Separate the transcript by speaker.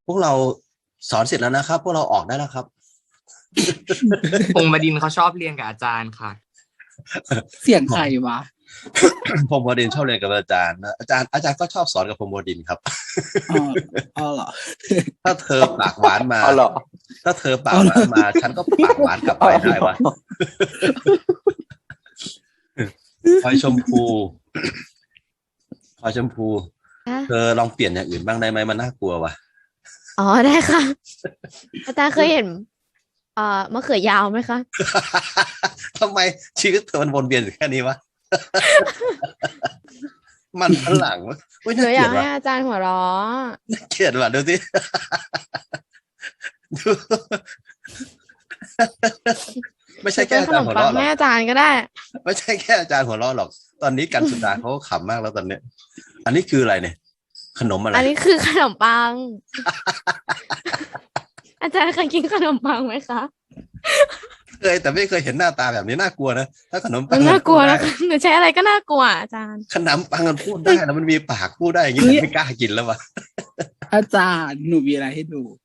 Speaker 1: พวกเราสอนเสร็จแล้วนะครับพวกเราออกได้แล้วครับ
Speaker 2: พงษ์บดินทร์เขาชอบเรียนกับอาจารย์ค่ะ
Speaker 3: เสียงใครวะ
Speaker 1: พรหมวดินทร์ชอบเรียนกับอาจารย์นะอาจารย์ก็ชอบสอนกับพรหมวดินทร์ครับ
Speaker 3: อ๋อเหรอ
Speaker 1: ถ้าเธอปากหวานมา
Speaker 4: เอาเหรอ
Speaker 1: ถ้าเธอปากหวานมา ฉันก็ปากหวานกลับไปได้วะพลอยชมพูพลอยชมพู
Speaker 5: คะ
Speaker 1: เธอลองเปลี่ยนอย่างอื่นบ้างได้ไหมมันน่ากลัวว่ะ
Speaker 5: อ๋อได้ค่ะ อาจารย์เคยเห็นมะเขือยาวไหมคะ
Speaker 1: ทำไมชีวิตเธอมันวนเวียนอยู่แค่นี้วะ มันฝรั่งวะเฮ้ย
Speaker 5: หนู
Speaker 1: น่า
Speaker 5: อ
Speaker 1: เกลี
Speaker 5: ยาย ก
Speaker 1: ด
Speaker 5: ให้
Speaker 1: ว่ะ
Speaker 5: อาจารย์หัวเราะ
Speaker 1: น่าเกลียดว่ะดูสิ ดู ไม่ใช่
Speaker 5: เป็
Speaker 1: แค่
Speaker 5: น
Speaker 1: อา
Speaker 5: ข
Speaker 1: จาร
Speaker 5: น
Speaker 1: ย์
Speaker 5: ม
Speaker 1: หัว
Speaker 5: ปัง
Speaker 1: เราะหร
Speaker 5: ให้
Speaker 1: อก
Speaker 5: อาจารย์ก็ได้
Speaker 1: ไม่ใช่แค่อาจารย์หัวเราะหรอก ตอนนี้กันสุดาเขาก็ขำมากแล้วตอนเนี้ย อันนี้คืออะไรเนี่ย ขนมอะไร
Speaker 5: อันนี้คือขนมปัง อาจารย์เคยกินขนมปังไหมคะ
Speaker 1: เคยแต่ไม่เคยเห็นหน้าตาแบบนี้น่ากลัวนะถ้าขนมปั
Speaker 5: มั
Speaker 1: ง
Speaker 5: นน่ากลัว
Speaker 1: มั
Speaker 5: นะ
Speaker 1: นพูดได้
Speaker 5: หนูใช้อะไรก็น่ากลัวอาจารย์
Speaker 1: ขนมปังมันพูดได้แล้วมันมีปากพูดได้อย่างนี้
Speaker 3: เฮ้
Speaker 1: ผม
Speaker 3: ย
Speaker 1: ไม่กล้ากินแล้วว่ะ
Speaker 3: อาจารย์หนูมีอะไรให้ดู